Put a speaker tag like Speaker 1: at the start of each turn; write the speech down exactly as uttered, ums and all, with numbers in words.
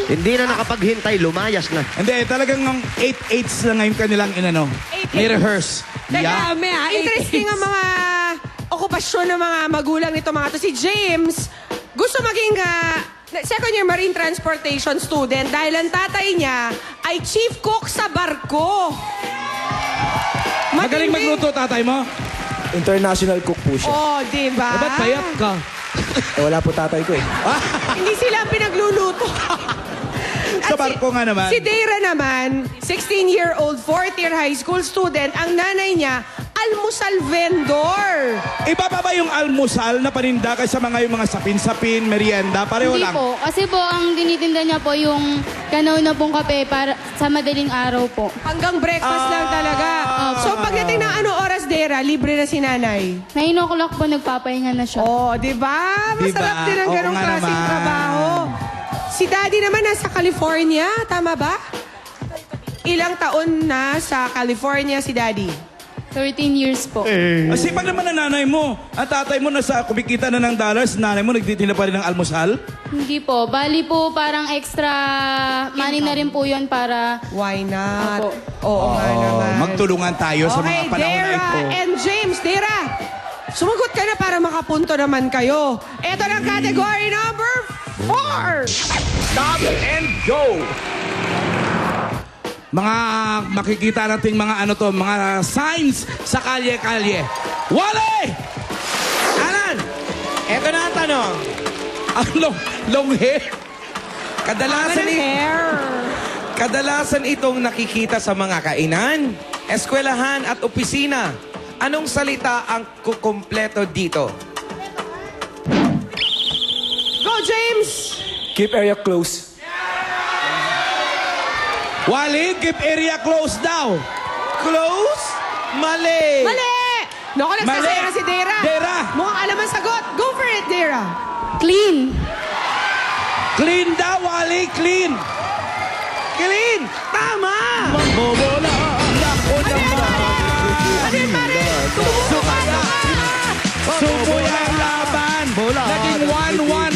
Speaker 1: Hindi na nakapaghintay, lumayas na.
Speaker 2: Hindi, talagang ng eight eights na ngayon kanilang inano. Ni-rehearse. Yeah.
Speaker 3: Dami ah. Interesting ang mga okupasyon ng mga magulang nito mga to. Si James, gusto maging ah, second year marine transportation student dahil ang tatay niya ay chief cook sa barko.
Speaker 2: Magaling
Speaker 3: Matindi.
Speaker 2: magluto, tatay mo?
Speaker 4: International cook po siya.
Speaker 3: Oh, di ba?
Speaker 2: Eh, ba't payat ka?
Speaker 4: Eh, wala po tatay ko eh.
Speaker 3: Hindi sila ang pinagluluto.
Speaker 2: Sa
Speaker 3: At
Speaker 2: barko nga naman.
Speaker 3: Si Deira naman, sixteen-year-old, fourth-year high school student, ang nanay niya, almusal vendor.
Speaker 2: Iba pa ba yung almusal na paninda kaysa mga yung mga sapin-sapin, merienda? Pareho
Speaker 5: Hindi
Speaker 2: lang.
Speaker 5: po. Kasi po, ang tinitinda niya po yung kanaw na pong kape para sa madaling araw po.
Speaker 3: Hanggang breakfast lang talaga. So pagdating ng ano oras, Deira, libre na si nanay.
Speaker 5: nine o'clock po nagpapahinga na siya.
Speaker 3: Oh, di ba? Masarap
Speaker 2: Diba?
Speaker 3: din ang
Speaker 2: Oo
Speaker 3: ganong
Speaker 2: nga
Speaker 3: klaseng
Speaker 2: naman.
Speaker 3: trabaho. Si daddy naman nasa California, tama ba? Ilang taon na sa California si daddy?
Speaker 5: thirteen years po.
Speaker 2: Ang sipag naman ng nanay mo. Ang tatay mo nasa kumikita na ng dollars, nanay mo nagtitinda pa rin ng almusal?
Speaker 5: Hindi po. Bali po, parang extra money na rin po yun para...
Speaker 3: Why not?
Speaker 5: Opo.
Speaker 3: Oo nga naman.
Speaker 2: Magtulungan tayo sa
Speaker 3: Okay,
Speaker 2: mga panahon na
Speaker 3: Deira
Speaker 2: ito.
Speaker 3: and James. Deira, sumagot ka na para makapunto naman kayo. Ito na category number four.
Speaker 2: Stop and go! Mga makikita nating mga ano to, mga signs sa kalye-kalye. Wale!
Speaker 6: Alan, eto na ang tanong.
Speaker 2: Ang long, long hair.
Speaker 6: Kadalasan,
Speaker 3: Ano
Speaker 6: i-
Speaker 3: hair?
Speaker 6: kadalasan itong nakikita sa mga kainan, eskwelahan at opisina. Anong salita ang kukumpleto dito?
Speaker 3: Go, James!
Speaker 4: Keep area close.
Speaker 2: Wale, keep area closed daw.
Speaker 6: Close? Mali!
Speaker 3: Mali! Naku, nagsasaya
Speaker 2: Mali.
Speaker 3: na si Deira.
Speaker 2: Deira.
Speaker 3: Mukhang alam ang sagot. Go for it, Deira.
Speaker 5: Clean!
Speaker 2: Clean daw, Wale, clean.
Speaker 6: Clean! Tama!
Speaker 2: Mambobola. Nako naman.
Speaker 3: Ano yun, pare? Tumubo ka na!
Speaker 2: Sumoy